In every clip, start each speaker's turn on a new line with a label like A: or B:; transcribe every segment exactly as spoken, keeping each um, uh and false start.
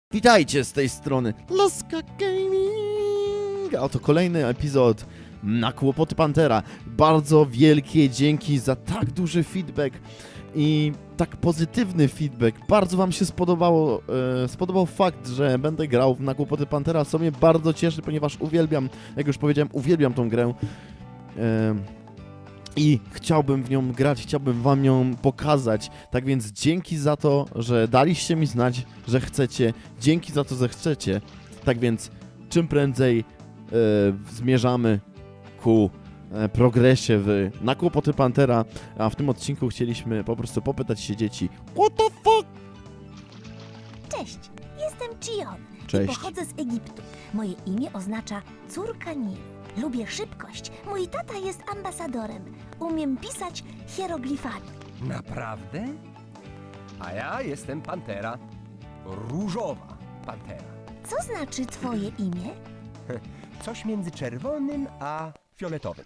A: Witajcie z tej strony Laska Gaming! A oto kolejny epizod na Kłopoty Pantera. Bardzo wielkie dzięki za tak duży feedback i tak pozytywny feedback. Bardzo wam się spodobało, e, spodobał fakt, że będę grał na Kłopoty Pantera, co mnie bardzo cieszy, ponieważ uwielbiam, jak już powiedziałem, uwielbiam tą grę. E, I chciałbym w nią grać, chciałbym wam ją pokazać. Tak więc dzięki za to, że daliście mi znać, że chcecie. Dzięki za to, że chcecie. Tak więc czym prędzej e, zmierzamy ku e, progresie w, na Kłopoty Pantera. A w tym odcinku chcieliśmy po prostu popytać się dzieci. What the fuck?
B: Cześć, jestem Chion
A: Cześć.
B: i pochodzę z Egiptu. Moje imię oznacza córka Nilu. Lubię szybkość. Mój tata jest ambasadorem. Umiem pisać hieroglifami.
C: Naprawdę? A ja jestem Pantera. Różowa Pantera.
B: Co znaczy twoje imię?
C: Coś między czerwonym a fioletowym.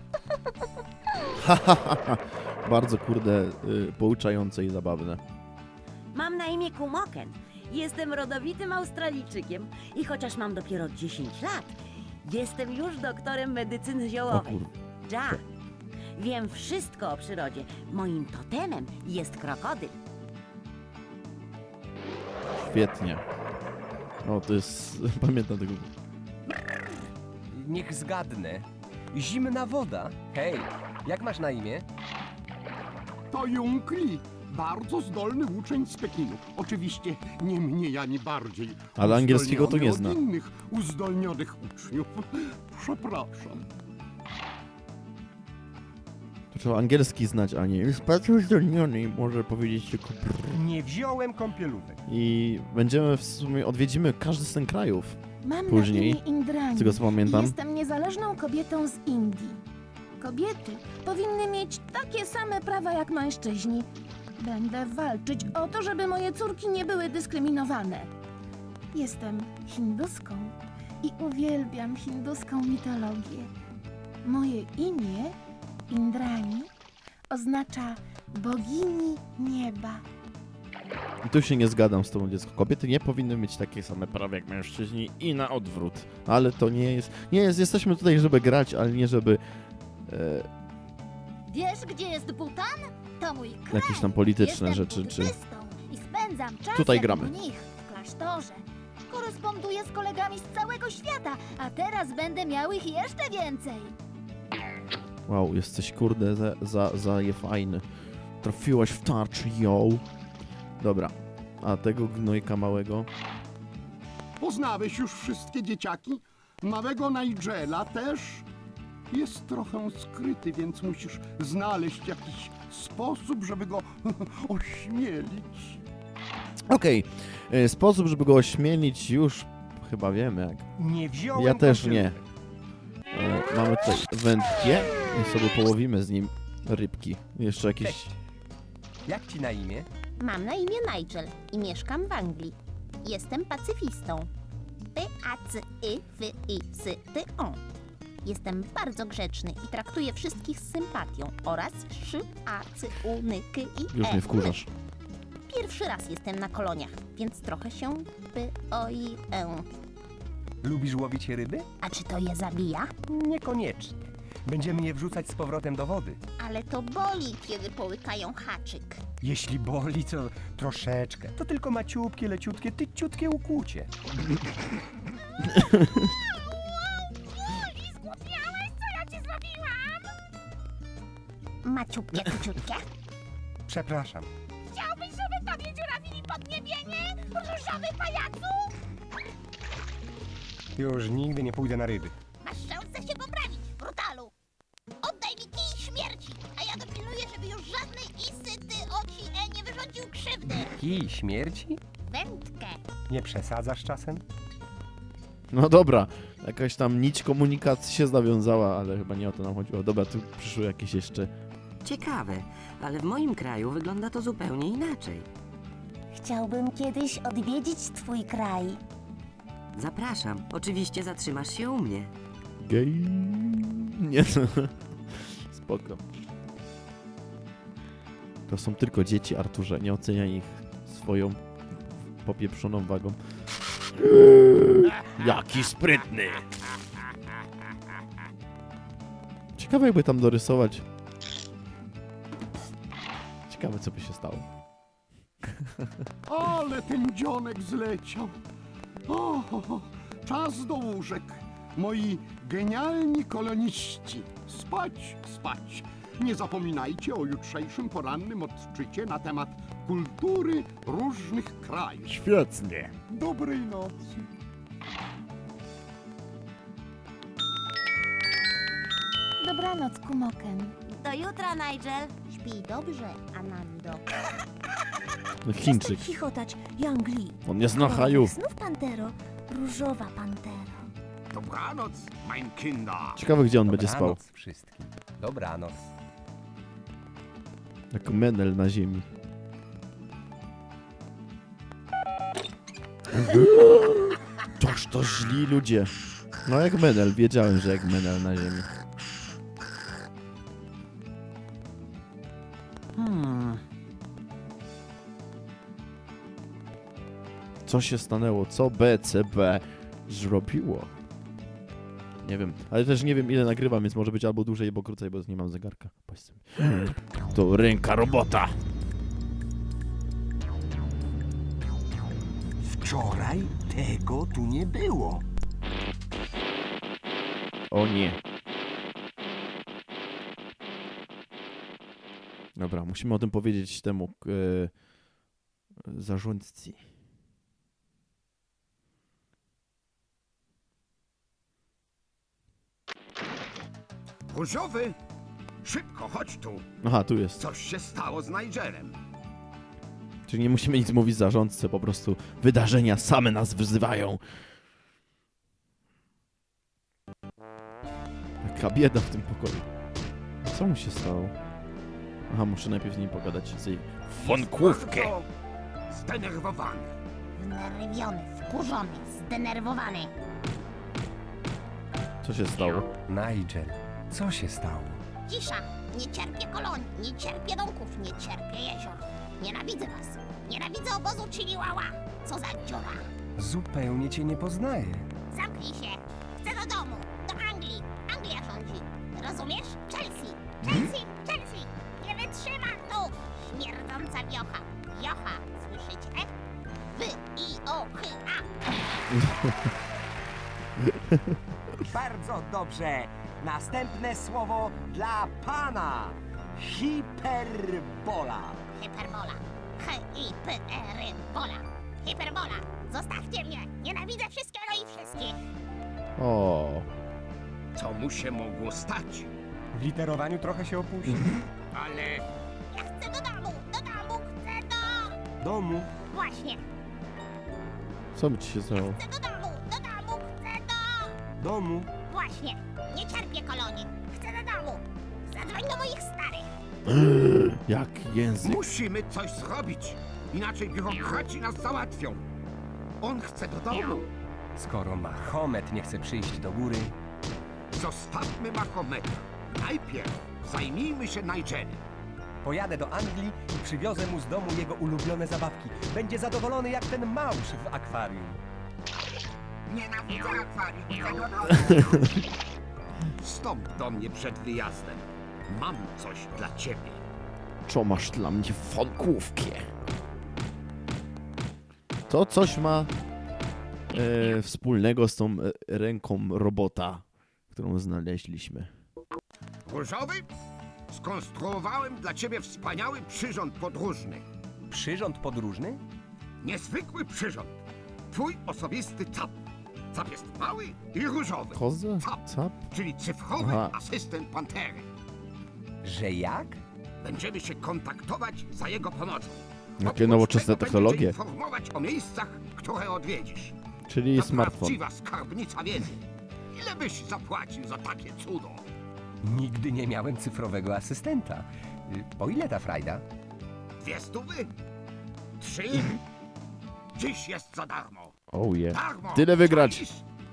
A: Bardzo kurde y, pouczające i zabawne.
D: Mam na imię Kumoken. Jestem rodowitym Australijczykiem i chociaż mam dopiero dziesięć lat, jestem już doktorem medycyny
A: O
D: ziołowej.
A: kur...
D: Ja. Wiem wszystko o przyrodzie. Moim totemem jest krokodyl.
A: Świetnie. O, to jest... Pamiętam tego.
C: Niech zgadnę. Zimna woda. Hej, jak masz na imię?
E: To Jung Li, bardzo zdolny uczeń z Pekinu. Oczywiście nie mniej ani bardziej.
A: Ale angielskiego to nie
E: uzdolniony
A: zna.
E: od innych uzdolnionych uczniów. Przepraszam.
A: To trzeba angielski znać, a nie jest bardzo zdolniony i może powiedzieć tylko brrr.
C: Nie wziąłem kąpielówek.
A: I będziemy w sumie, odwiedzimy każdy z tych krajów,
F: Mam
A: Później,
F: na imię Indrani.
A: z tego co pamiętam.
F: Jestem niezależną kobietą z Indii. Kobiety powinny mieć takie same prawa jak mężczyźni. Będę walczyć o to, żeby moje córki nie były dyskryminowane. Jestem hinduską i uwielbiam hinduską mitologię. Moje imię, Indrani, oznacza bogini nieba.
A: I tu się nie zgadzam z tobą, dziecko. Kobiety nie powinny mieć takie same prawa jak mężczyźni i na odwrót. Ale to nie jest... Nie jest, jesteśmy tutaj, żeby grać, ale nie żeby... E,
B: Wiesz, gdzie jest Butan? To mój kraj.
A: jakieś tam polityczne
B: Jestem
A: rzeczy, czy...
B: buddystą i spędzam czas
A: Tutaj
B: jak
A: gramy.
B: mnich w klasztorze. Koresponduję z kolegami z całego świata, a teraz będę miał ich jeszcze więcej.
A: Wow, jesteś kurde za, za, za je fajny. Trafiłaś w tarczę, yo. Dobra. A tego gnojka małego...
E: Poznałeś już wszystkie dzieciaki? Małego Nigela też? Jest trochę skryty, więc musisz znaleźć jakiś sposób, żeby go ośmielić.
A: Okej. e, Sposób, żeby go ośmielić już chyba wiemy jak.
C: Nie wziąłem
A: Ja też nie.
C: kąpielówek.
A: E, mamy tutaj wędkie i sobie połowimy z nim rybki. Jeszcze jakieś...
C: Cześć. Jak ci na imię?
B: Mam na imię Nigel i mieszkam w Anglii. Jestem pacyfistą. P A C Y F I S T O. Jestem bardzo grzeczny i traktuję wszystkich z sympatią oraz szy a c u n k i
A: Już
B: e.
A: mnie wkurzasz.
B: Pierwszy raz jestem na koloniach, więc trochę się p o i e.
C: Lubisz łowić ryby?
B: A czy to je zabija?
C: Niekoniecznie. Będziemy je wrzucać z powrotem do wody.
B: Ale to boli, kiedy połykają haczyk.
C: Jeśli boli, to troszeczkę. To tylko maciupkie, leciutkie, tyciutkie ukłucie.
B: Maciupkie, kciutkie.
C: Przepraszam.
B: Chciałbyś, żeby tobie dziurawili podniebienie, różowy pajacu?
C: Już nigdy nie pójdę na ryby.
B: Masz szansę się poprawić, brutalu. Oddaj mi kij śmierci, a ja dopilnuję, żeby już żadnej isy ty oci e nie wyrządził krzywdy.
C: Kij śmierci?
B: Wędkę.
C: Nie przesadzasz czasem?
A: No dobra. Jakaś tam nić komunikacji się zawiązała, ale chyba nie o to nam chodziło. Dobra, tu przyszły jakieś jeszcze...
G: Ciekawe, ale w moim kraju wygląda to zupełnie inaczej.
B: Chciałbym kiedyś odwiedzić twój kraj.
G: Zapraszam, oczywiście zatrzymasz się u mnie.
A: Gej... Nie no. Spoko. To są tylko dzieci, Arturze. Nie oceniaj ich swoją popieprzoną wagą. Jaki sprytny! Ciekawe jakby tam dorysować. Ciekawe co by się stało.
E: Ale ten dzionek zleciał. O, o, o, czas do łóżek. Moi genialni koloniści. Spać, spać. Nie zapominajcie o jutrzejszym porannym odczycie na temat kultury różnych krajów.
A: Świetnie.
E: Dobrej nocy.
F: Dobranoc, Kumoken.
D: Do jutra, Nigel.
B: Śpij dobrze, Anando.
A: No, Chińczyk.
D: Chichotać, Yangli.
A: On nie zna haju.
D: Znów pantero, różowa pantero.
E: Dobranoc, mein Kinder.
A: Ciekawe gdzie on będzie spał.
C: Dobranoc wszystkim. Dobranoc.
A: Jak menel na ziemi. Toż to źli ludzie. No jak menel, wiedziałem, że jak menel na ziemi.
C: Hmm.
A: Co się stanęło? Co B C B zrobiło? Nie wiem, ale też nie wiem ile nagrywam, więc może być albo dłużej, albo krócej, bo nie mam zegarka. Patrzcie. To ręka robota.
C: Wczoraj tego tu nie było.
A: O nie. Dobra, musimy o tym powiedzieć temu e, zarządcy.
E: Różowy, szybko chodź tu.
A: Aha, tu jest.
E: Coś się stało z Nigelem.
A: Czyli nie musimy nic mówić zarządcy, po prostu wydarzenia same nas wzywają. Jaka bieda w tym pokoju. Co mu się stało? Aha, muszę najpierw z nim pogadać. Z jej fonkówkę.
E: Bardzo zdenerwowany.
B: Wnerwiony, wkurzony, zdenerwowany.
A: Co się stało?
C: Nigel, co się stało?
B: Cisza! Nie cierpię kolonii, nie cierpię domków, nie cierpię jezior. Nienawidzę was. Nienawidzę obozu Chiliwała. Co za dziura.
C: Zupełnie cię nie poznaję.
B: Zamknij się. Chcę do domu. Do Anglii. Anglia rządzi. Rozumiesz? Chelsea. Chelsea. Chelsea. Nie wytrzymam tu. Śmierdząca wiocha. Wiocha. Słyszycie? Wy i o chy a.
H: Bardzo dobrze. Następne słowo dla pana. Hiperbola.
B: Hiperbola. H i p r bola. Hiperbola. Zostawcie mnie. Nienawidzę wszystkiego i wszystkich.
A: O,
E: Co mu się mogło stać?
C: W literowaniu trochę się opuścił.
E: Ale
B: Ja chcę do domu. Do domu. Chcę do...
C: Domu.
B: Właśnie.
A: co by ci się stało?
B: Chcę do domu. Do domu. Chcę do...
C: Domu.
B: Właśnie. Nie cierpię kolonii. Chcę do domu. Zadzwoń do moich starych.
A: Jak język.
E: musimy coś zrobić. Inaczej biurokraci nas załatwią. On chce do domu.
C: Skoro Mahomet nie chce przyjść do góry,
E: Zostawmy Mahometa. Najpierw zajmijmy się Nigelem.
C: pojadę do Anglii i przywiozę mu z domu jego ulubione zabawki. Będzie zadowolony jak ten małż w akwarium.
E: Nienawidzę akwarium. Chcę do domu. Wstąp do mnie przed wyjazdem. Mam coś dla ciebie.
A: Co masz dla mnie fonkówkę? To coś ma e, wspólnego z tą e, ręką robota, którą znaleźliśmy.
E: Różowy? Skonstruowałem dla ciebie wspaniały przyrząd podróżny.
C: Przyrząd podróżny?
E: Niezwykły przyrząd. Twój osobisty cap. Cap jest mały i różowy.
A: Kozę?
E: Cap,
A: Cap?
E: czyli cyfrowy
A: Aha.
E: asystent Pantery.
C: Że jak?
E: Będziemy się kontaktować za jego pomocą.
A: Jakie
E: Oprócz
A: nowoczesne
E: tego
A: technologie.
E: będzie informować o miejscach, które odwiedzisz.
A: Czyli
E: To
A: smartfon.
E: prawdziwa skarbnica wiedzy. Ile byś zapłacił za takie cudo?
C: Nigdy nie miałem cyfrowego asystenta. Y, Po ile ta frajda?
E: Dwie stówy? Trzy? Dziś jest za darmo.
A: Oh yeah.
E: Darmo!
A: Tyle wygrać.
E: Czaisz?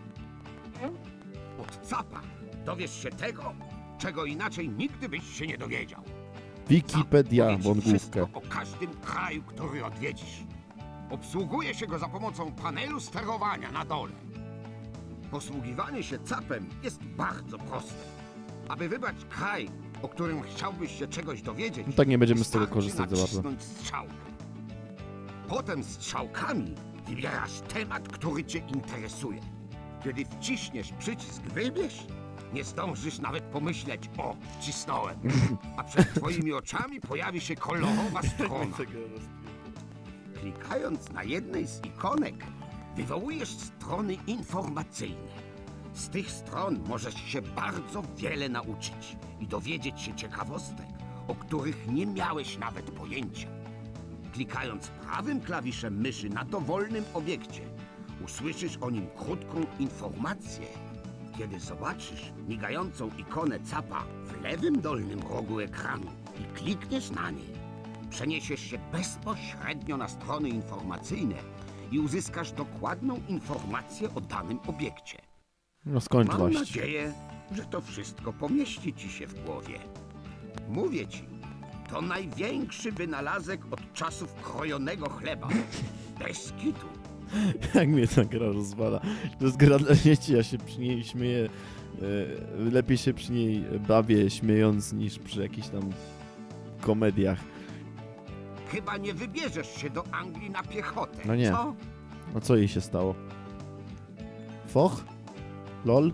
E: Od capa dowiesz się tego, czego inaczej nigdy byś się nie dowiedział.
A: Wikipedia,
E: Powie ci
A: wągłówkę.
E: wszystko o każdym kraju, który odwiedzisz. Obsługuje się go za pomocą panelu sterowania na dole. Posługiwanie się capem jest bardzo proste. Aby wybrać kraj, o którym chciałbyś się czegoś dowiedzieć,
A: No tak nie będziemy z tego
E: wystarczy
A: korzystać za bardzo.
E: nacisnąć strzałkę. Potem strzałkami wybierasz temat, który cię interesuje. Kiedy wciśniesz przycisk wybierz, nie zdążysz nawet pomyśleć: o, wcisnąłem. A przed twoimi oczami pojawi się kolorowa strona. Klikając na jednej z ikonek, wywołujesz strony informacyjne. Z tych stron możesz się bardzo wiele nauczyć i dowiedzieć się ciekawostek, o których nie miałeś nawet pojęcia. Klikając prawym klawiszem myszy na dowolnym obiekcie, usłyszysz o nim krótką informację. Kiedy zobaczysz migającą ikonę capa w lewym dolnym rogu ekranu i klikniesz na niej, przeniesiesz się bezpośrednio na strony informacyjne i uzyskasz dokładną informację o danym obiekcie.
A: No skończ
E: Mam
A: właśnie.
E: nadzieję, że to wszystko pomieści ci się w głowie. Mówię ci, to największy wynalazek od czasów krojonego chleba. Bez kitu.
A: Jak mnie ta gra rozwala. To jest gra dla dzieci, ja się przy niej śmieję. e, Lepiej się przy niej bawię śmiejąc niż przy jakichś tam komediach.
E: Chyba nie wybierzesz się do Anglii na piechotę,
A: No nie.
E: co?
A: A co jej się stało? Foch? Lol?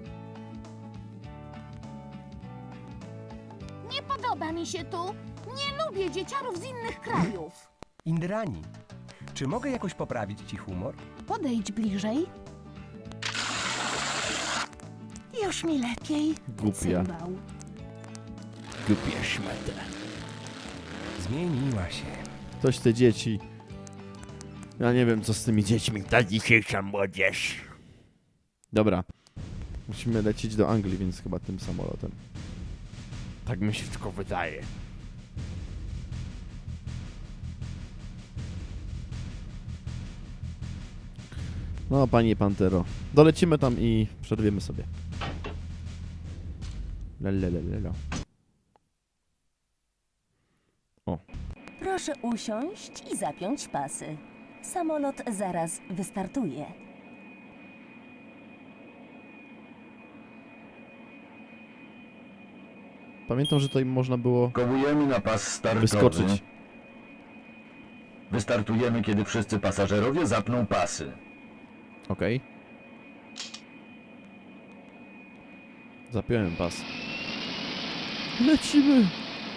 F: Nie podoba mi się tu. Nie lubię dzieciarów z innych krajów.
C: Indrani, czy mogę jakoś poprawić ci humor?
F: Podejdź bliżej. Już mi lepiej.
A: Głupia.
F: Cymbał.
A: Głupia szmata.
C: Zmieniła się.
A: Coś te dzieci. Ja nie wiem, co z tymi dziećmi. Ta dzisiejsza młodzież. Dobra. Musimy lecieć do Anglii, więc chyba tym samolotem. Tak mi się tylko wydaje. No, panie Pantero. Dolecimy tam i przerwiemy sobie. Lelelelelo.
I: Proszę usiąść i zapiąć pasy. Samolot zaraz wystartuje.
A: Pamiętam, że tutaj można było
J: Kołujemy na pas startowy.
A: wyskoczyć.
J: Wystartujemy, kiedy wszyscy pasażerowie zapną pasy.
A: Okej. Zapiąłem pas. Lecimy!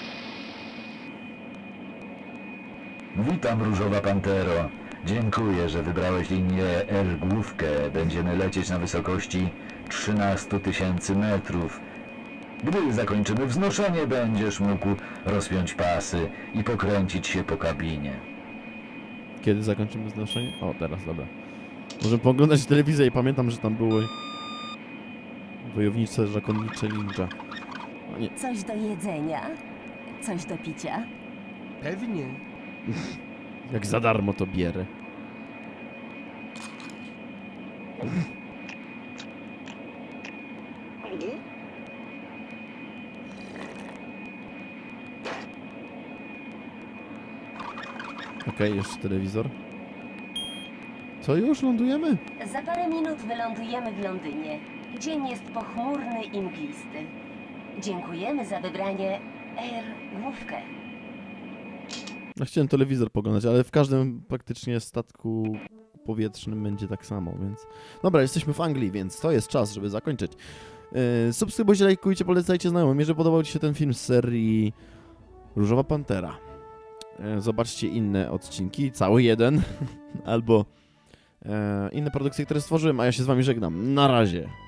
J: Witam, Różowa Pantero. Dziękuję, że wybrałeś linię L główkę. Będziemy lecieć na wysokości trzynaście tysięcy metrów. Gdy zakończymy wznoszenie, będziesz mógł rozpiąć pasy i pokręcić się po kabinie.
A: Kiedy zakończymy znoszenie? O, teraz, dobra. Możemy pooglądać telewizję i pamiętam, że tam były wojownicze, zakonnicze ninja. O nie,
I: Coś do jedzenia? Coś do picia?
C: Pewnie.
A: jak za darmo to bierę. Okej, jeszcze telewizor. Co, już lądujemy?
I: Za parę minut wylądujemy w Londynie. Dzień jest pochmurny i mglisty. Dziękujemy za wybranie Air główkę.
A: No, chciałem telewizor poglądać, ale w każdym praktycznie statku powietrznym będzie tak samo, więc... Dobra, jesteśmy w Anglii, więc to jest czas, żeby zakończyć. Yy, subskrybujcie, lajkujcie, polecajcie znajomym. Jeżeli podobał Ci się ten film z serii Różowa Pantera, yy, zobaczcie inne odcinki, cały jeden, albo yy, inne produkcje, które stworzyłem, a ja się z Wami żegnam. Na razie.